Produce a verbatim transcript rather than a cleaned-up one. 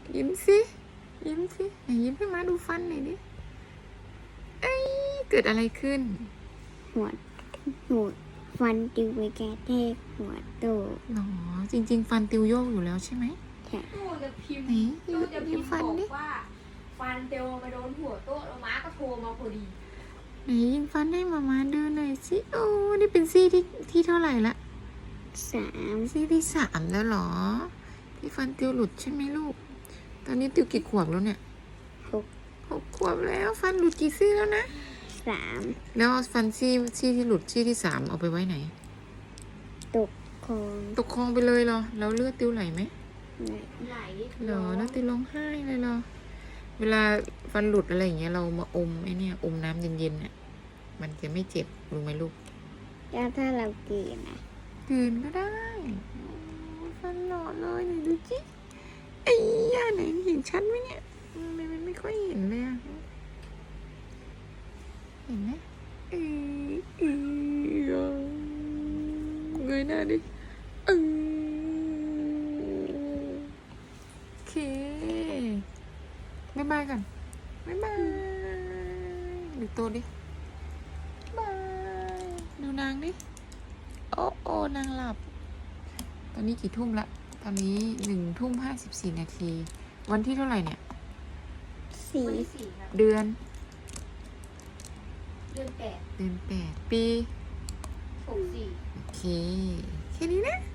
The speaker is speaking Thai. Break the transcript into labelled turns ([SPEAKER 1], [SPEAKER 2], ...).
[SPEAKER 1] ยิ้มสิยิ้มสิไหนยิ้มให้มาดูฟันหน่อยดิเอ้ยเกิดอะไรขึ้น
[SPEAKER 2] หัวหัวฟันติวไปแกะแทกหัวโต
[SPEAKER 1] หรอจริงๆ ฟันติวโยกอยู่แล้วใช่ไหม
[SPEAKER 2] ใช่
[SPEAKER 3] ตู้จะพิมพ์
[SPEAKER 1] ไหน
[SPEAKER 3] ตู้จะพิมพ์
[SPEAKER 1] ฟัน
[SPEAKER 3] บอ
[SPEAKER 1] ดิ
[SPEAKER 3] กว่าฟันเตียวมาโดนหัวโต๊ะแล้วม้าก็โทรมาพอดี
[SPEAKER 1] ไหนยิงฟันให้มามาดูหน่อยสิโอ้นี่เป็นซี่ที่ที่เท่าไหร่ละ
[SPEAKER 2] สาม
[SPEAKER 1] ซี่ที่สามแล้วเหรอที่ฟันติวหลุดใช่ไหมลูกตอนนี้ติวกี่ขวบแล้วเนี่ย
[SPEAKER 2] หก
[SPEAKER 1] หกขวบแล้วฟันหลุดกี่ซี่แล้วนะ
[SPEAKER 2] สาม
[SPEAKER 1] แล้วเอาฟันซี่ซี่ที่หลุดซี่ที่สามเอาไปไว้ไหน
[SPEAKER 2] ตกคลอง
[SPEAKER 1] ตกคลองไปเลยเหรอแล้วเลือดติวไหลไหม
[SPEAKER 2] ไหน
[SPEAKER 3] ไหล
[SPEAKER 1] เหรอแล้วติวร้องไห้เลยเหรอเวลาฟันหลุดอะไรอย่างเงี้ยเรามาอมไอ้เนี่ยอมน้ำเย็นๆเนี่ยมันจะไม่เจ็บรู้ไหมลูก
[SPEAKER 2] แล้วถ้าเรากินนะ
[SPEAKER 1] กลืนก็ได้โอ้ยฟันหล่อเลยนี่ดูจิไอ้ย่าไหนเห็นชัดไหมเนี่ยทำไมมันไม่ค่อยเห็นเลยอะเห็นไหมเออเออเงยหน้าดิเออโอเคบ๊ายบายกันบ๊ายบายดูตัวดิบายดูนางดิโอ้โอ้นางหลับตอนนี้กี่ทุ่มละตอนนี้หนึ่งทุ่มห้าสิบสี่นาทีวันที่เท่าไหร่เนี่ย
[SPEAKER 2] สี่
[SPEAKER 3] วันที่สี่ครับ
[SPEAKER 1] เดือน
[SPEAKER 3] เดือนแปด
[SPEAKER 1] เดือนแปดปี
[SPEAKER 3] หกสี่
[SPEAKER 1] โอเคแค่นี้นะ